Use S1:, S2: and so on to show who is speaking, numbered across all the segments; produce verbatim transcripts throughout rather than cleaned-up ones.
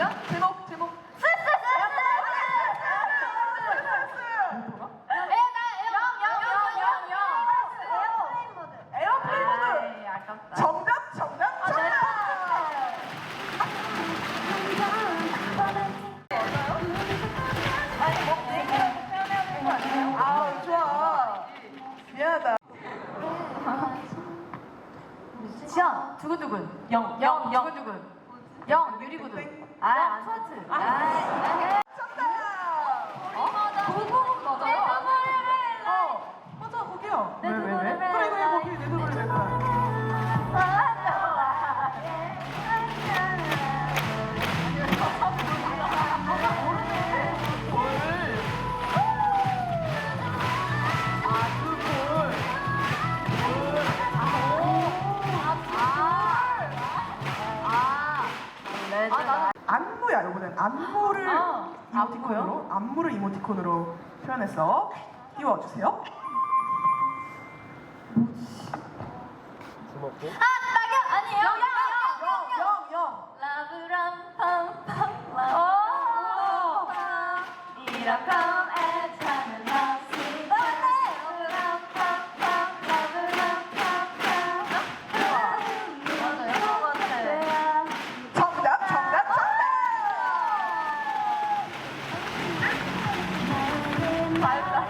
S1: 잠시만요. 제목 제목.
S2: 에어플레인 모드. 정답 정답 정답. 아 좋아. 미안하다.
S1: 지연 두근두근. 영. 영. 영. 두근두근. 영. 유리구두. 아 스와트. 아.
S2: 정답.
S1: 어? 그거 맞아요?
S2: 어 맞아 거기요.
S1: 네,
S2: 왜 왜 왜?
S1: 네, 네,
S2: 그래 그래
S1: 네.
S2: 거기 내 노래 내 노래. 안무야 이번엔 안무를
S1: 아,
S2: 이모티콘으로 안무를 이모티콘으로 표현해서 띄워주세요.
S1: 아 낙엽 아니에요? 영.
S2: 영 영.
S1: 라브람 팜팜 라브람 이렇게 애타는 하시 라브람 팜팜 라브람 팜팜 맞아요? 맞아요.
S2: 정답 정답 정답.
S1: 맞다.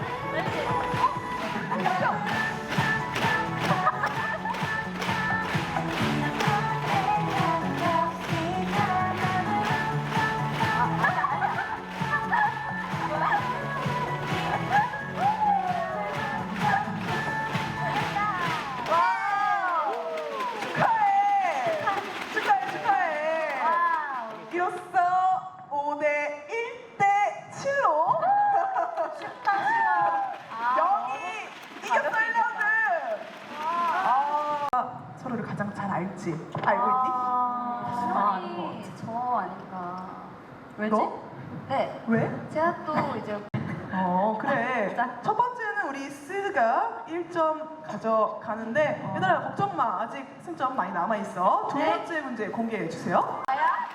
S2: 와우. 축하해. 축하해 축하해. 이로써 오 대 일 대 칠로 영이 이겼어 일 라운드. 아, 서로를 가장 잘 알지? 알고 있니?
S1: 아, 아닌 것 같아. 저 아닌가. 왜지?
S2: 너?
S1: 네.
S2: 왜?
S1: 제가 또 이제
S2: 어 그래. 첫 번째는 우리 스가 일 점 가져가는데 얘들아 걱정 마. 아직 승점 많이 남아 있어. 두
S1: 네.
S2: 번째 문제 공개해 주세요.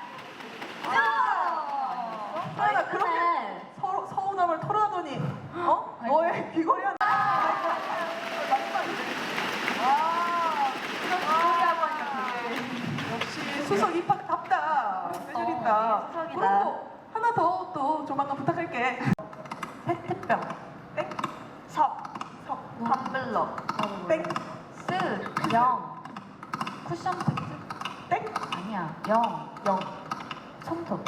S1: 아,
S2: 하연아 그렇게 서로 서운함을 털어하더니 어? 너의 귀걸이 하나. 와.
S1: 소리하고 하니까 되게
S2: 역시 수석 입학답다. 세줄있다.
S1: 어, 수석이다.
S2: 그럼 또 하나 더 또 조만간 부탁할게. 페트병. 땡. 섭. 섭.
S1: 텀블러
S2: 땡.
S1: 쓰 영 쿠션 팩트
S2: 땡.
S1: 아니야 영
S2: 영.
S1: 손톱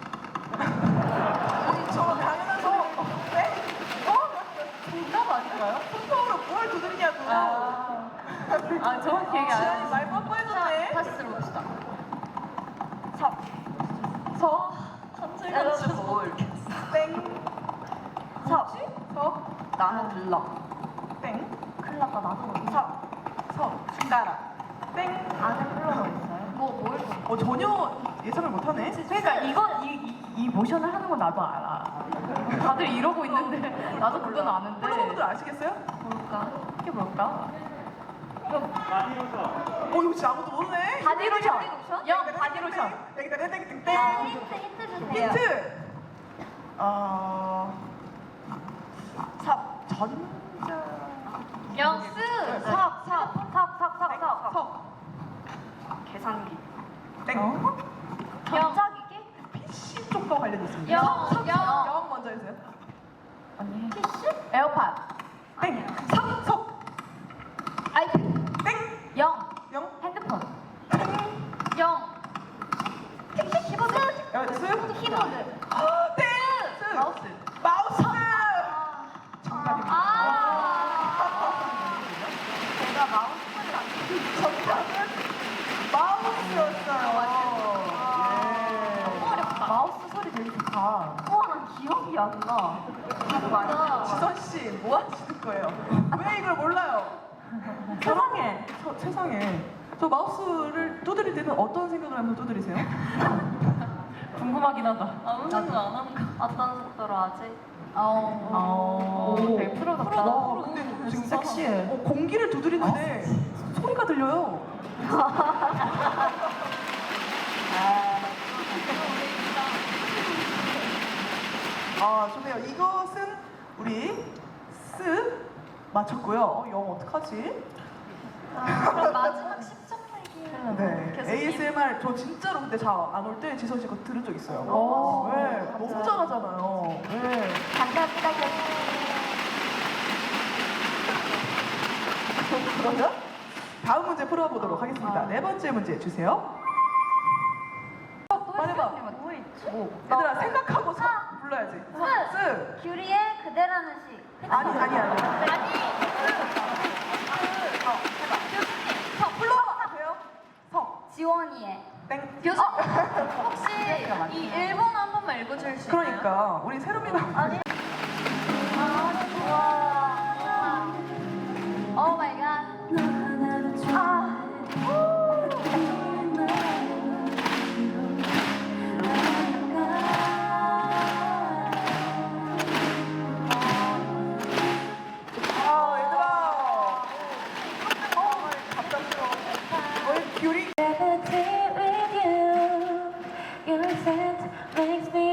S2: 저 당연한 소. 네? 어?
S1: 정답 아닌가요?
S2: 손톱으로 뭘 두드리냐고.
S1: 아, 아 정확히 얘기 안
S2: 지연이
S1: 했어.
S2: 말 뻔뻔해졌네.
S1: 다시 들어봅시다.
S2: 섭. 서.
S1: 샐러드 볼
S2: 땡. 섭. 서.
S1: 나는 들러
S2: 땡.
S1: 큰일 났다 나도
S2: 섭. 서. 숟가락. 땡.
S1: 안에 플러가 있어요? 뭐뭘
S2: 어 전혀 예상을 못하네.
S1: 그러니까 이거 이, 이, 이 모션을 하는 건 나도 알아. 다들 이러고 있는데 나도 그건 아는데.
S2: 플로버분들 아시겠어요?
S1: 뭘까? 이게 뭘까?
S2: 어 이거 진짜 아무도 모르네.
S1: 바디로션. 영 바디로션.
S2: 땡땡땡땡땡.
S1: 힌트 힌트 주세요.
S2: 힌트. 어. 섭. 전자.
S1: 영스 섭섭섭섭섭섭
S2: 섭.
S1: 계산기.
S2: 땡.
S1: 어? 경작이기?
S2: 피씨 쪽과 관련있습니다.
S1: 영,
S2: 섭, 섭,
S1: 영.
S2: 영 먼저 해주세요.
S1: 언니 피쉬? 에어팟
S2: 땡. 섭. 섭.
S1: 아이패드
S2: 땡.
S1: 영
S2: 영.
S1: 핸드폰 영 키보드
S2: 야, 스.
S1: 키보드
S2: 아, 땡. 스.
S1: 마우스
S2: 마우스. 정답입니다.
S1: 아 제가 마우스 소리를 안
S2: 정답은 마우스였어요. 예.
S1: 너무 어렵다. 마우스 소리 되게 좋다. 우와, 난 기억이 안 나. 맞아.
S2: 지선 씨, 뭐 하시는 거예요? 왜 이걸 몰라요?
S1: 세상에.
S2: 저, 세상에. 저 마우스를 두드릴 때는 어떤 생각을 하면서 두드리세요?
S1: 궁금하긴 하다. 아무 생각 안 하는 거. 어떤 속도로 하지? 어.
S2: 오,
S1: 되게 프로 같다.
S2: 와, 근데 지금
S1: 섹시해.
S2: 어, 공기를 두드리는데 소리가 들려요.
S1: 아.
S2: 아, 좋네요. 이것은 우리 스 맞췄고요. 어, 영 어떡하지?
S3: 아, 그럼 마지막 십 점 내기.
S2: 네.
S3: 교수님.
S2: 에이에스엠알 저 진짜로 근데 잘 안 올 때 지선 씨거 들은 적 있어요.
S1: 오.
S2: 네, 너무 잘하잖아요. 네.
S1: 감사합니다, 교수님.
S2: 그러면 다음 문제 풀어보도록 하겠습니다. 네 번째 문제 주세요. 빨리 봐.
S3: 뭐 있지?
S2: 얘들아 생각하고 서 불러야지.
S1: 스.
S2: 스.
S1: 규리의 그대라는 시.
S2: 아니 아니 아니.
S3: 아니.
S2: 어, 해봐.
S3: 교수님, 저 불러봐.
S2: 돼요? 석.
S1: 지원이의.
S2: 땡.
S3: 교수님, 혹시 이 일본어 한 번만 읽어줄 수 있나요?
S2: 그러니까 우리 세롬이가
S3: 아니.
S1: 와. 오 마이 갓. 아.
S2: 아 얘들아. 어 갑작스러워. 너의 뷰리.
S4: Gravity with you, your scent makes me